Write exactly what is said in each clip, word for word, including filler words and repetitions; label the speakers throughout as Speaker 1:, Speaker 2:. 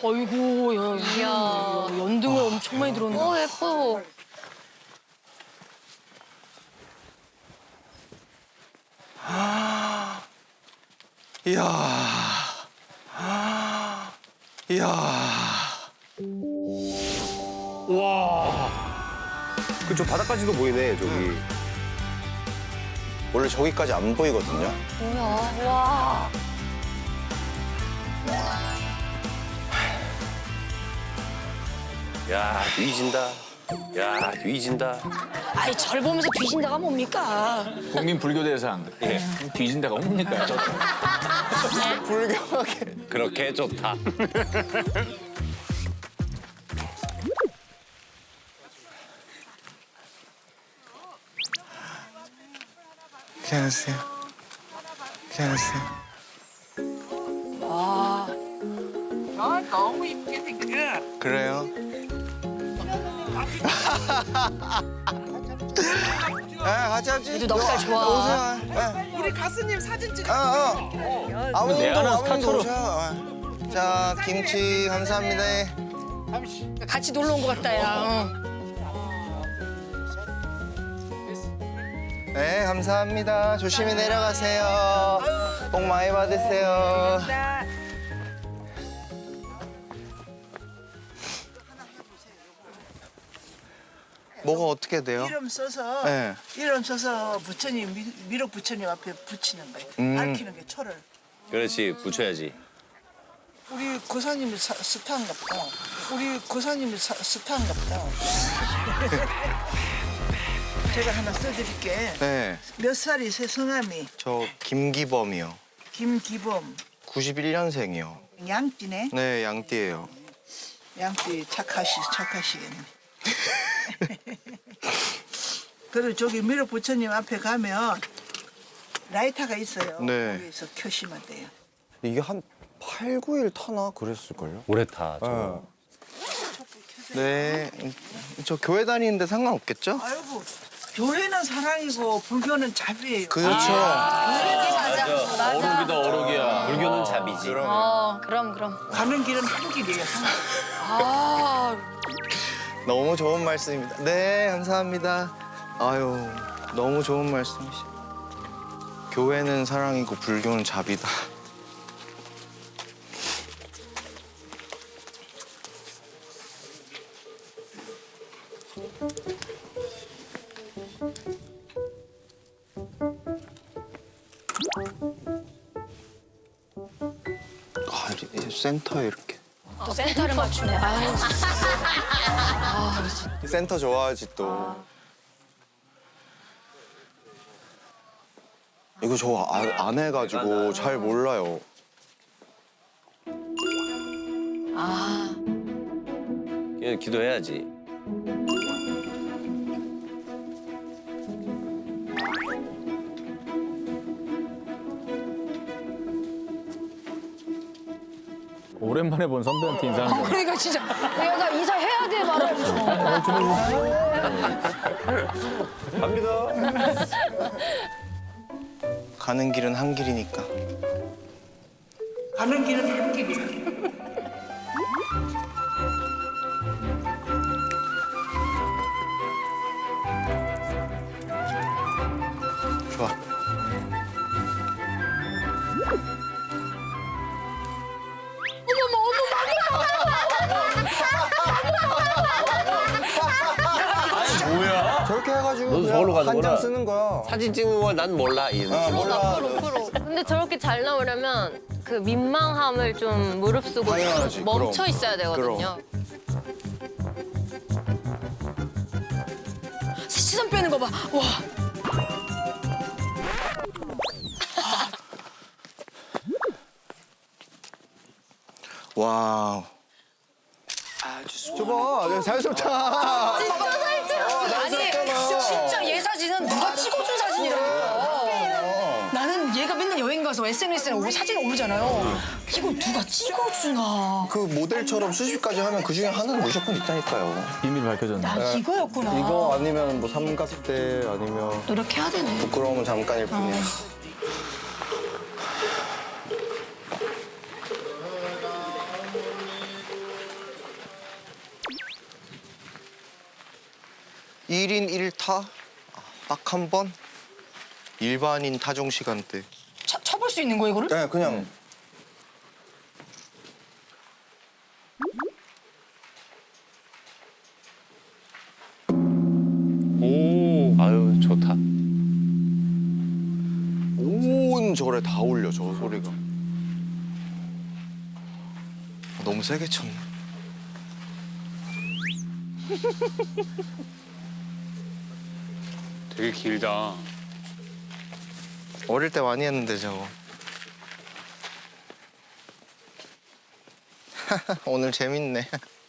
Speaker 1: 어이구, 야, 이야. 연등을 엄청 많이 들었네.
Speaker 2: 어, 예뻐.
Speaker 3: 이야. 이야.
Speaker 4: 와. 그저 바닥까지도 보이네 저기.
Speaker 3: 원래 저기까지 안 보이거든요.
Speaker 2: 뭐야, 와.
Speaker 4: 야 뒤진다. 야 뒤진다.
Speaker 1: 아이, 절 보면서 뒤진다가 뭡니까?
Speaker 5: 국민 불교 대상. 예. 뒤진 데가 뭡니까?
Speaker 3: 불경하게.
Speaker 4: 그렇게 좋다.
Speaker 3: 안녕하세요. 안녕하세요.
Speaker 1: 아,
Speaker 6: 아, 너무 이쁘게 생겼어.
Speaker 3: 그래요? 네, 같이 하지.
Speaker 1: 그래도 넉살 좋아.
Speaker 3: 오세요. 네.
Speaker 6: 우리 가수님 사진 찍어.
Speaker 3: 어, 어. 아버님도,
Speaker 5: 내가 하는
Speaker 3: 아버님도
Speaker 5: 스타처럼.
Speaker 3: 오셔. 자, 김치 감사합니다.
Speaker 1: 같이 놀러 온 것 같다, 야. 응.
Speaker 3: 네, 감사합니다. 조심히 내려가세요. 복 많이 받으세요. 뭐가 어떻게 돼요?
Speaker 6: 이름 써서
Speaker 3: 네.
Speaker 6: 이름 써서 부처님 미, 미륵 부처님 앞에 붙이는 거예요.
Speaker 3: 음.
Speaker 6: 밝히는 게 초를.
Speaker 4: 그렇지 붙여야지.
Speaker 6: 우리 고사님이 사- 스타인가 보다. 우리 고사님이 사- 스타인가 보다. 제가 하나 써드릴게.
Speaker 3: 네,
Speaker 6: 몇 살이세요, 성함이?
Speaker 3: 저 김기범이요.
Speaker 6: 김기범.
Speaker 3: 구십일 년생이요.
Speaker 6: 양띠네.
Speaker 3: 네, 양띠예요.
Speaker 6: 양띠 착하시, 착하시겠네. 그리고 저기 미륵 부처님 앞에 가면 라이터가 있어요.
Speaker 3: 네.
Speaker 6: 거기서 켜시면 돼요.
Speaker 7: 이게 한 팔, 구 일 타나 그랬을걸요?
Speaker 4: 오래 타. 저거.
Speaker 3: 네, 저 교회 다니는데 상관없겠죠?
Speaker 6: 아이고, 교회는 사랑이고 불교는 자비예요.
Speaker 3: 그렇죠.
Speaker 5: 어록이다, 어록이야.
Speaker 4: 불교는 잡이지.
Speaker 2: 어, 그럼, 그럼.
Speaker 6: 가는 길은 한 길이에요. 한 길.
Speaker 1: 아,
Speaker 3: 너무 좋은 말씀입니다. 네, 감사합니다. 아유, 너무 좋은 말씀이시. 교회는 사랑이고 불교는 자비다. 아, 이 센터에 이렇게.
Speaker 1: 또 센터를 맞추네. 아유,
Speaker 3: 센터 좋아하지 또. 이거 저 아, 안 해가지고 잘 몰라요.
Speaker 1: 아,
Speaker 4: 그냥 기도해야지.
Speaker 5: 오랜만에 본 선배한테 인사하는 거.
Speaker 1: 그러니까 진짜 내가 나 인사해야 돼 말을.
Speaker 3: 가는 길은 한 길이니까.
Speaker 6: 가는 길은 한 길이에요.
Speaker 3: 좋아.
Speaker 7: 저렇게 해가지고
Speaker 4: 넌 서울로
Speaker 7: 그냥 한
Speaker 4: 가는구나.
Speaker 7: 장 쓰는 거야.
Speaker 4: 사진 찍는 걸 난 몰라. 이
Speaker 3: 아, 몰라.
Speaker 2: 프로, 프로. 근데 저렇게 잘 나오려면 그 민망함을 좀 무릅쓰고
Speaker 3: 당연하지,
Speaker 2: 멈춰
Speaker 3: 그럼.
Speaker 2: 있어야 되거든요.
Speaker 1: 시선 빼는 거 봐. 와.
Speaker 3: 와우.
Speaker 7: 저봐, 자연스럽다.
Speaker 1: 아니, 진짜 얘 사진은 누가 찍어준 사진이라고. 나는 얘가 맨날 여행 가서 에스엔에스에 오 사진을 올리잖아요. 이거 누가 찍어주나.
Speaker 3: 그 모델처럼 수십 가지 하면 그 중에 하나는 무조건 있다니까요.
Speaker 5: 비밀 밝혀졌네.
Speaker 1: 나 이거였구나.
Speaker 7: 이거 아니면 뭐 삼각대 아니면
Speaker 1: 노력해야 되네.
Speaker 3: 부끄러움은 잠깐일 뿐이야.
Speaker 7: 일 인 일 타? 딱 한 번? 일반인 타종 시간대.
Speaker 1: 차, 쳐볼 수 있는 거 이거를?
Speaker 7: 네, 그냥.
Speaker 4: 오, 아유 좋다.
Speaker 7: 온 절에 다 울려, 저 소리가. 아, 너무 세게 쳤네.
Speaker 8: 되게 길다.
Speaker 7: 어릴 때 많이 했는데, 저거. 오늘 재밌네.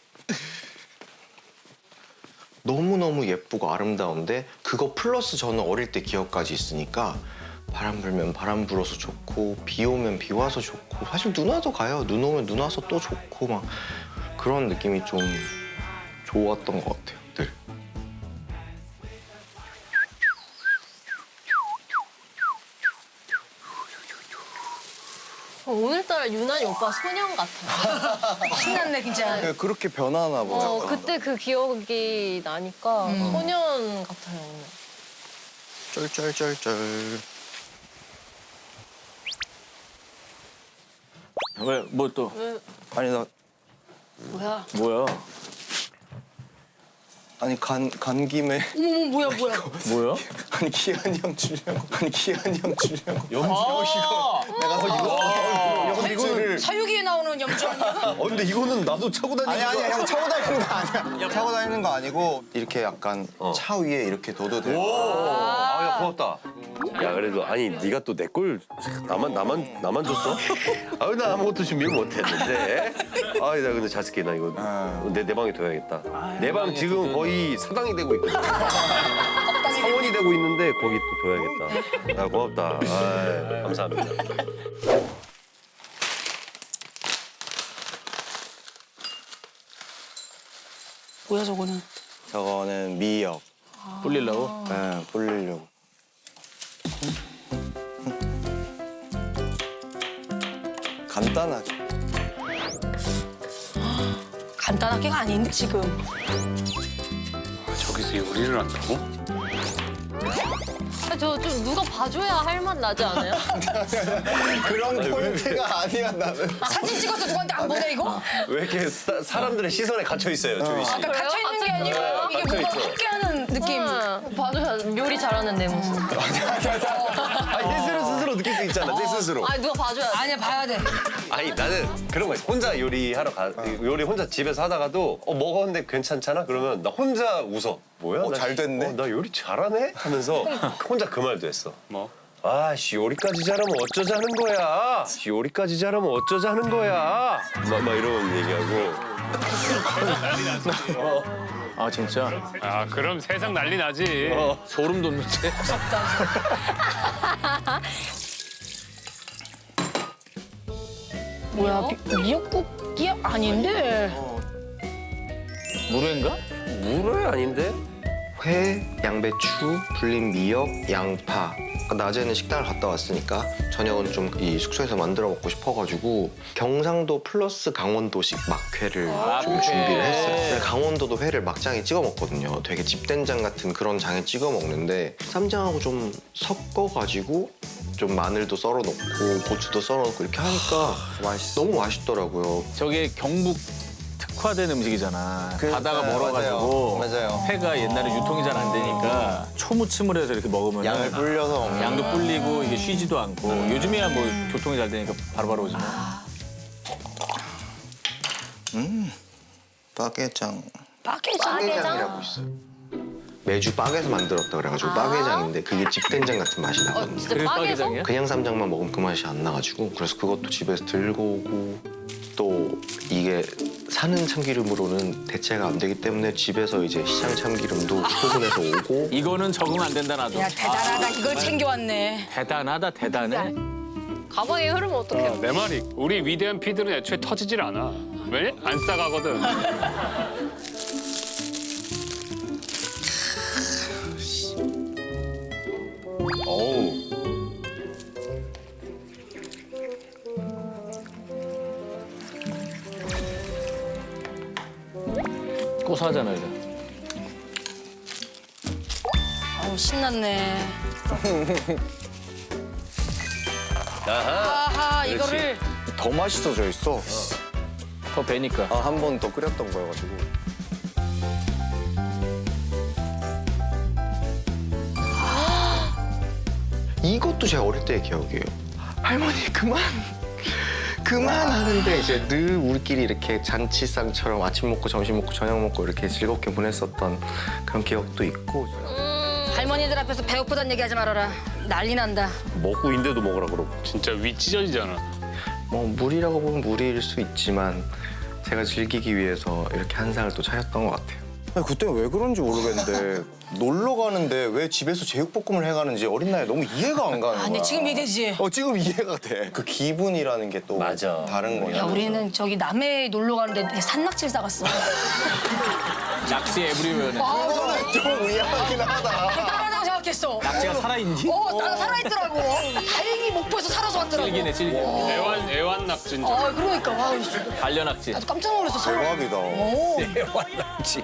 Speaker 7: 너무너무 예쁘고 아름다운데 그거 플러스 저는 어릴 때 기억까지 있으니까 바람 불면 바람 불어서 좋고 비 오면 비 와서 좋고 사실 눈 와도 가요. 눈 오면 눈 와서 또 좋고 막 그런 느낌이 좀 좋았던 것 같아요. 늘.
Speaker 2: 어, 오늘따라 유난히 오빠 소년 같아.
Speaker 1: 신났네 진짜.
Speaker 7: 네, 그렇게 변하나 봐요.
Speaker 2: 어, 그때 그 기억이 나니까 소년 같아요. 오늘.
Speaker 7: 쩔쩔쩔쩔.
Speaker 5: 왜 뭐 또
Speaker 7: 아니 나
Speaker 1: 뭐야?
Speaker 5: 뭐야?
Speaker 7: 아니 간, 간 김에
Speaker 1: 어머머 뭐야 뭐야?
Speaker 5: 뭐야?
Speaker 7: 아니 기한이 형 주려고 아니 기한이 형 주려고 염주하시고 내가 서 이거 이거를
Speaker 1: 사유기에 나오는 염주 아니야?
Speaker 3: 어 근데 이거는 나도 차고 다니는
Speaker 7: 아니 아니 형 차고 다니는 거 아니야. 차고 다니는 거 아니고 이렇게 약간 차 위에 이렇게 둬도 돼요.
Speaker 4: 아, 야 고맙다. 야 그래도 아니 네가 또 내 걸 나만 나만 나만 줬어? 아, 나 아무것도 준비를 못했는데. 아, 나 근데 잘 쓸게 나 이거 내 내 방에 둬야겠다. 내 방 지금 거의 사당이 되고 있거든. 사원이 되고 있는데 거기 또 둬야겠다. 야 고맙다. 아, 감사합니다.
Speaker 1: 뭐야 저거는?
Speaker 7: 저거는 미역.
Speaker 5: 불리려고?
Speaker 7: 네, 불리려고. 간단하게.
Speaker 1: 간단하게가 아닌데 지금.
Speaker 8: 저기서 요리를 한다고?
Speaker 2: 저 좀 누가 봐줘야 할 맛 나지 않아요?
Speaker 7: 그런 포인트가 아니야 나는.
Speaker 1: 사진 찍어서 누구한테 안 보내 이거?
Speaker 4: 왜 이렇게 사, 사람들의 시선에 갇혀 있어요, 조이 씨?
Speaker 1: 아까 갇혀 있는 게 아니고 이게
Speaker 4: 갇혀
Speaker 1: 뭔가
Speaker 4: 있어.
Speaker 1: 함께하는 느낌.
Speaker 2: 응, 봐줘야 요리 잘하는 내 모습.
Speaker 4: 아니 내 스스로 스스로 느낄 수 있잖아, 내 스스로.
Speaker 2: 아니 누가 봐줘야 돼.
Speaker 1: 아니야 봐야 돼.
Speaker 4: 아니 나는 그런 거 있어. 혼자 요리하러 가 요리 혼자 집에서 하다가도 어 먹었는데 괜찮잖아? 그러면 나 혼자 웃어. 뭐야?
Speaker 7: 어,
Speaker 4: 나,
Speaker 7: 잘 됐네.
Speaker 4: 어, 나 요리 잘하네? 하면서 혼자 그 말도 했어.
Speaker 8: 뭐?
Speaker 4: 아씨 요리까지 잘하면 어쩌자는 거야. 씨, 요리까지 잘하면 어쩌자는 거야. 막, 막 이런 얘기하고.
Speaker 5: 아 진짜?
Speaker 8: 아 그럼 세상 난리 나지.
Speaker 5: 소름 돋는데?
Speaker 1: 뭐야 미, 미역국이야? 아닌데.
Speaker 5: 물회인가?
Speaker 4: 물회 아닌데?
Speaker 7: 회, 양배추, 불린 미역, 양파. 아까 낮에는 식당을 갔다 왔으니까 저녁은 좀 이 숙소에서 만들어 먹고 싶어가지고 경상도 플러스 강원도식 막회를 좀 준비를 했어요. 근데 강원도도 회를 막장에 찍어 먹거든요. 되게 집된장 같은 그런 장에 찍어 먹는데 쌈장하고 좀 섞어가지고 좀 마늘도 썰어 넣고 고추도 썰어 넣고 이렇게 하니까 너무 맛있더라고요.
Speaker 5: 저게 경북 특화된 음식이잖아.
Speaker 7: 그,
Speaker 5: 바다가
Speaker 7: 네,
Speaker 5: 멀어가지고
Speaker 7: 맞아요. 맞아요.
Speaker 5: 회가 옛날에 유통이 잘 안 되니까 초무침을 해서 이렇게 먹으면
Speaker 7: 양을 불려서 먹는
Speaker 5: 양도 불리고 이게 쉬지도 않고 요즘에야 뭐 교통이 잘 되니까 바로바로 오지만
Speaker 7: 빠게장.
Speaker 1: 빠게장.
Speaker 7: 빠게장이라고 있어요. 매주 빡에서 만들었다 그래가지고 빠게장인데 그게 집된장 같은 맛이 나거든요.
Speaker 2: 진짜
Speaker 5: 그게
Speaker 2: 빠개서?
Speaker 5: 빠게장이야?
Speaker 7: 그냥 쌈장만 먹으면 그 맛이 안 나가지고 그래서 그것도 집에서 들고 오고 또 이게 사는 참기름으로는 대체가 안 되기 때문에 집에서 이제 시장 참기름도 소분해서 오고
Speaker 5: 이거는 적응 안 된다 나도.
Speaker 1: 야 대단하다. 이걸 챙겨왔네.
Speaker 5: 대단하다 대단해.
Speaker 2: 가방에 흐르면 어떡해.
Speaker 8: 어, 내 말이 우리 위대한 피들은 애초에 터지질 않아. 왜? 안 싸가거든.
Speaker 4: 어우.
Speaker 5: 고소하잖아 이제.
Speaker 1: 아우 신났네.
Speaker 4: 아하.
Speaker 1: 아하
Speaker 4: 그렇지.
Speaker 1: 이거를
Speaker 3: 더 맛있어져 있어.
Speaker 5: 더 배니까.
Speaker 3: 아, 한 번 더 끓였던 거여가지고.
Speaker 7: 이것도 제 어릴 때의 기억이에요. 할머니 그만 그만 하는데 이제 늘 우리끼리 이렇게 잔치상처럼 아침 먹고 점심 먹고 저녁 먹고 이렇게 즐겁게 보냈었던 그런 기억도 있고.
Speaker 1: 할머니들 앞에서 배고프단 얘기하지 말아라. 난리 난다.
Speaker 4: 먹고 인데도 먹으라 그러고.
Speaker 8: 진짜 위 찢어지잖아.
Speaker 7: 뭐 무리라고 보면 무리일 수 있지만 제가 즐기기 위해서 이렇게 한 상을 또 차렸던 것 같아요.
Speaker 3: 아니, 그때 왜 그런지 모르겠는데 놀러 가는데 왜 집에서 제육볶음을 해가는지 어린 나이에 너무 이해가 안 가는 거야.
Speaker 1: 아니 지금 이해되지?
Speaker 3: 어 지금 이해가 돼. 그 기분이라는 게 또
Speaker 4: 맞아.
Speaker 3: 다른 거야.
Speaker 1: 야 우리는 저기 남해 놀러 가는데 산낙지를 싸갔어.
Speaker 5: 낚시 에브리웨어네.
Speaker 3: 그거는 좀 의아하긴 하다.
Speaker 1: 대단하다고 생각했어.
Speaker 5: 낙지가 살아있니?
Speaker 1: 어, 나 살아있더라고. 다행히 목포에서 살아서 왔더라고.
Speaker 5: 찔기네, 찔기.
Speaker 8: 애완 애완 낙지인 줄.
Speaker 1: 아, 그러니까. 와,
Speaker 5: 반려 낙지.
Speaker 1: 나도 깜짝 놀랐어. 서울.
Speaker 3: 대박이다.
Speaker 1: 오,
Speaker 5: 낙지.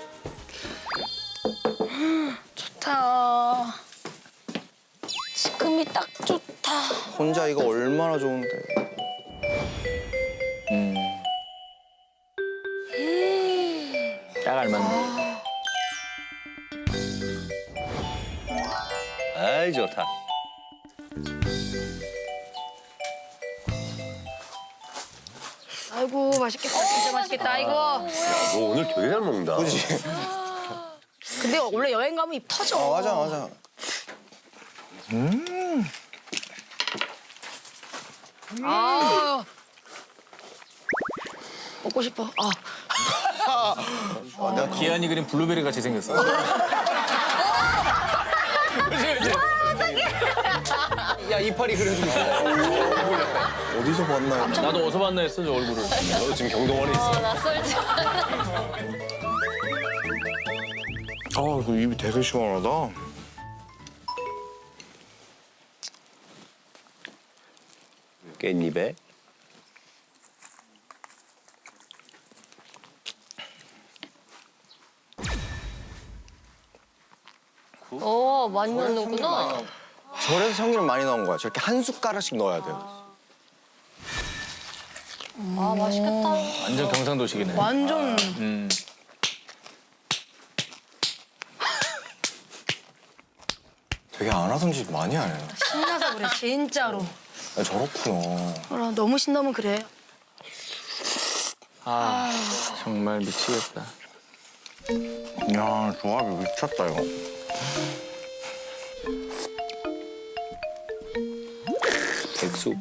Speaker 1: 좋다. 지금이 딱 좋다.
Speaker 3: 혼자 이거 얼마나 좋은데.
Speaker 5: 딱 알맞네.
Speaker 4: 아이 좋다.
Speaker 1: 아이고, 맛있겠다. 진짜 맛있겠다. 이거.
Speaker 4: 너 오늘 되게 잘 먹는다.
Speaker 3: 그지?
Speaker 1: 근데 원래 여행 가면 입 터져.
Speaker 3: 아 맞아 맞아.
Speaker 1: 아. 먹고 싶어. 아.
Speaker 5: 기한이 그린 블루베리 같이 생겼어.
Speaker 3: 야 이파리 그려주고 있어. 어디서 봤나요?
Speaker 5: 나도 어디서 봤나 했어, 저 얼굴을.
Speaker 4: 너 지금 경동원에 있어.
Speaker 2: 낯설지.
Speaker 3: 아 이거 입이 되게 시원하다.
Speaker 4: 깻잎에.
Speaker 2: 어, 많이 넣는구나.
Speaker 3: 저래서 참기름 많이 넣은 거야. 저렇게 한 숟가락씩 넣어야 돼요.
Speaker 2: 아, 맛있겠다.
Speaker 5: 완전 경상도식이네.
Speaker 1: 완전.
Speaker 5: 음.
Speaker 3: 되게 안 하던 짓 많이 하네.
Speaker 1: 신나서 그래, 진짜로.
Speaker 3: 아, 저렇구나.
Speaker 1: 아, 너무 신나면 그래.
Speaker 5: 아, 정말 미치겠다.
Speaker 3: 야 조합이 미쳤다 이거.
Speaker 4: 백숙.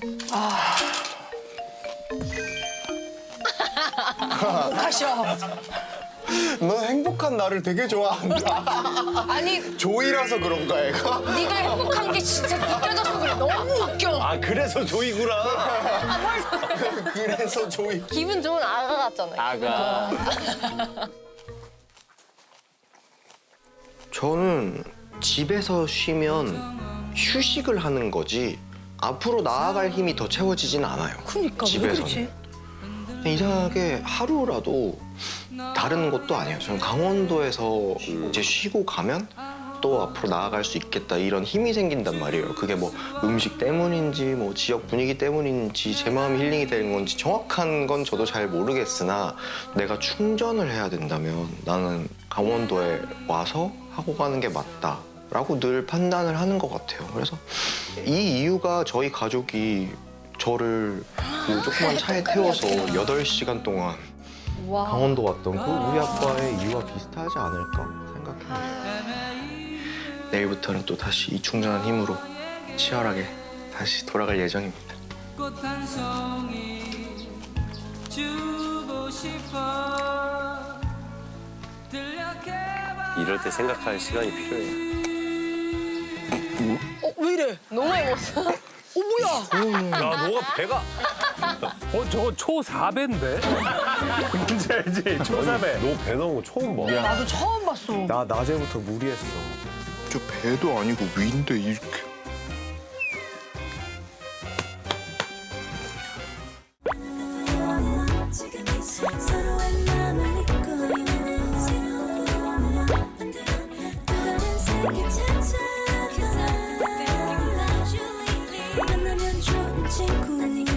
Speaker 1: 마셔.
Speaker 3: 너 행복한 나를 되게 좋아한다.
Speaker 1: 아니,
Speaker 3: 조이라서 그런가 얘가?
Speaker 1: 네가 행복한 게 진짜 느껴져서 그래. 너무 웃겨.
Speaker 4: 아 그래서 조이구나.
Speaker 3: 그래서 조이.
Speaker 2: 기분 좋은 아가 같잖아요.
Speaker 5: 아가.
Speaker 7: 저는 집에서 쉬면 휴식을 하는 거지 앞으로 나아갈 힘이 더 채워지진 않아요.
Speaker 1: 그러니까 왜
Speaker 7: 집에서는.
Speaker 1: 그렇지?
Speaker 7: 이상하게 하루라도 다른 것도 아니에요. 저는 강원도에서 이제 쉬고 가면 또 앞으로 나아갈 수 있겠다 이런 힘이 생긴단 말이에요. 그게 뭐 음식 때문인지 뭐 지역 분위기 때문인지 제 마음 힐링이 되는 건지 정확한 건 저도 잘 모르겠으나 내가 충전을 해야 된다면 나는 강원도에 와서 하고 가는 게 맞다. 라고 늘 판단을 하는 것 같아요. 그래서 이 이유가 저희 가족이 저를 그 조그만 차에 태워서 여덟 시간 동안 강원도 왔던 그 우리 아빠의 이유와 비슷하지 않을까 생각합니다. 내일부터는 또 다시 이 충전한 힘으로 치열하게 다시 돌아갈 예정입니다.
Speaker 9: 꽃한 송이 주고 싶어 들려해봐.
Speaker 4: 이럴 때 생각할 시간이 필요해.
Speaker 1: 어, 왜 이래?
Speaker 2: 너무 먹었어.
Speaker 1: 어, 뭐야?
Speaker 4: 야 너가 배가.
Speaker 10: 어, 저거 초 사 배인데? 뭔지 알지? 초 사 배.
Speaker 4: 너 배 나온 거 처음 봐.
Speaker 1: 나도 처음 봤어.
Speaker 3: 나 낮에부터 무리했어. 저 배도 아니고 위인데 이렇게.
Speaker 11: 서로의 마음을 잊고 있는 새로운 꿈을 만들어 또 다른 세계 같아 만나면 좋은 친구